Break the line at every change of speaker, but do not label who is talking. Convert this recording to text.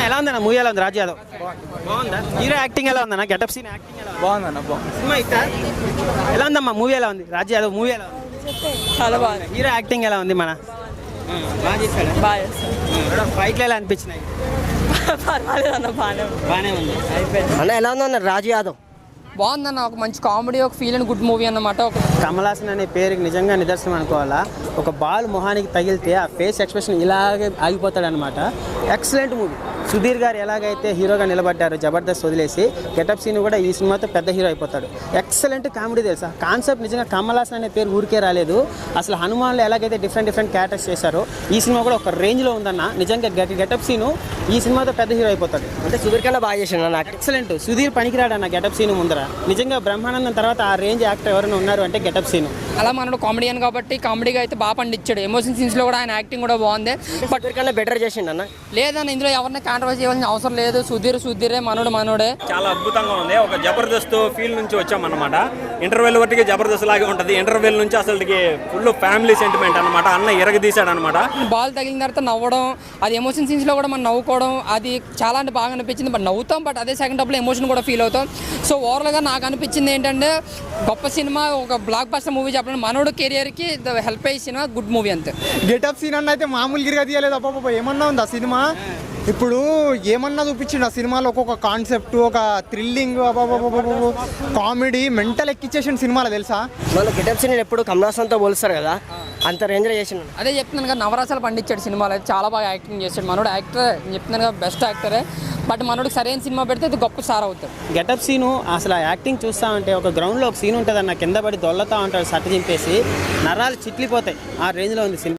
ఎలా ఉందన్న మూవీ? ఎలా ఉంది రాజు యాదవ్? బాగుందా? హీరో యాక్టింగ్ ఎలా ఉందన్న? గెటప్ సీన్ యాక్టింగ్ ఎలా ఉంది?
బాగుందన్న బాగుంది.
సినిమా ఇష్టా? ఎలా ఉందమ్మా మూవీ? ఎలా ఉంది రాజు యాదవ్ మూవీ? ఎలా ఉంది?
చాలా బాగుంది.
హీరో యాక్టింగ్ ఎలా ఉంది? బాగా చేశాడు.
బాగా
ఫైట్లు ఎలా అనిపించినాయి?
పర్వాలేదు అన్న,
బాగానే ఉంది.
అయిపోయింది.
అన్న ఎలా ఉందన్న రాజు యాదవ్?
బాగుందన్న, ఒక మంచి కామెడీ, ఒక ఫీల్ అండ్ గుడ్ మూవీ అన్నమాట.
కమల్ హాసన్ అనే పేరుకి నిజంగా నిదర్శనం అనుకోవాలా. ఒక బాల్ మొహానికి తగిలితే ఆ ఫేస్ ఎక్స్ప్రెషన్ ఇలాగే ఆగిపోతాడు అనమాట. Excellent movie. సుధీర్ గారు ఎలాగైతే హీరోగా నిలబడ్డారు జబర్దస్త్ వదిలేసి, గెటప్ సీన్ కూడా ఈ సినిమాతో పెద్ద హీరో అయిపోతాడు. ఎక్సలెంట్ కామెడీ తెలుసా. కాన్సెప్ట్ నిజంగా కమల్ హాసన్ అనే పేరు ఊరికే రాలేదు. అసలు హనుమాన్లో ఎలాగైతే డిఫరెంట్ క్యారెక్టర్స్ చేశారో ఈ సినిమా కూడా ఒక రేంజ్లో ఉందన్న. నిజంగా గెటప్ సీను ఈ సినిమాతో పెద్ద హీరో అయిపోతాడు.
అంటే సుధీర్ కన్నా బాగా చేసిండు నాకు.
ఎక్సలెంట్. సుధీర్ పనికిరాడు అన్న గెటప్ సీను ముందర. నిజంగా బ్రహ్మానందం తర్వాత ఆ రేంజ్ యాక్టర్ ఎవరైనా ఉన్నారు అంటే గెటప్ సీను.
అలా మనడు కామెడియన్ కాబట్టి కామెడీగా అయితే బాగా పండించాడు. ఎమోషన్ సీన్స్లో కూడా ఆయన యాక్టింగ్ కూడా బాగుంది.
బట్ కన్నా బెటర్ చేసిండు అన్న.
లేదన్న, ఇందులో ఎవరిని కాంట్రవర్సీ చేయాల్సిన అవసరం లేదు. సుధీరే మనోడే.
చాలా అద్భుతంగా ఉంది. ఒక జబర్దస్త్ ఫీల్ నుంచి వచ్చామన్నమాట. ఇంటర్వెల్ వరకు జబర్దస్త్ లాగే ఉంటుంది. ఇంటర్వెల్ నుంచి అసలు ఫుల్ ఫ్యామిలీ సెంటిమెంట్ అనమాట. అన్న ఎరగదీశాడు అనమాట.
బాల్ తగిలిన తర్వాత నవ్వడం, అది ఎమోషన్ సీన్స్లో కూడా మనం నవ్వుకోవడం, అది చాలా అంటే బాగా అనిపించింది. బట్ నవ్వుతాం, బట్ అదే సెకండ్ హాఫ్లో ఎమోషన్ కూడా ఫీల్ అవుతాం. సో ఓవరాల్గా నాకు అనిపించింది ఏంటంటే, గొప్ప సినిమా, ఒక బ్లాక్ బస్టర్ మూవీ చెప్పడం, మనోడు కెరియర్కి హెల్ప్ అయ్యే సినిమా, గుడ్ మూవీ అంతే.
గెటప్ సీన్ అన్న అయితే మామూలు గిరిగా తీయలేదు. అబ్బాబా ఏమన్నా ఉంది ఆ సినిమా. ఇప్పుడు ఏమన్నా చూపించిండు ఆ సినిమాలో. ఒక్కొక్క కాన్సెప్ట్, ఒక థ్రిల్లింగ్, కామెడీ, మెంటల్ ఎక్కిచ్చేసిన సినిమాలో తెలుసా.
మళ్ళీ గెటప్ సీన్ ఎప్పుడు కమల్ హాసన్తో పోలుస్తారు కదా, అంత రేంజ్లో చేసిండు.
అదే చెప్తున్నాను కదా, నవరసాలు పండించాడు సినిమాలో. అయితే చాలా బాగా యాక్టింగ్ చేశాడు మనోడు. యాక్టర్ చెప్తున్నాను కదా, బెస్ట్ యాక్టరే. బట్ మనోడికి సరైన సినిమా పెడితే అది గొప్ప స్టార్ అవుతాడు.
గెటప్ సీను అసలు ఆ యాక్టింగ్ చూస్తా ఉంటే, ఒక గ్రౌండ్లో ఒక సీన్ ఉంటుంది అన్న, కింద పడి దొల్లతా ఉంటాడు సట్టు చింపేసి, నరాలు చిట్లిపోతాయి. ఆ రేంజ్లో ఉంది సినిమా.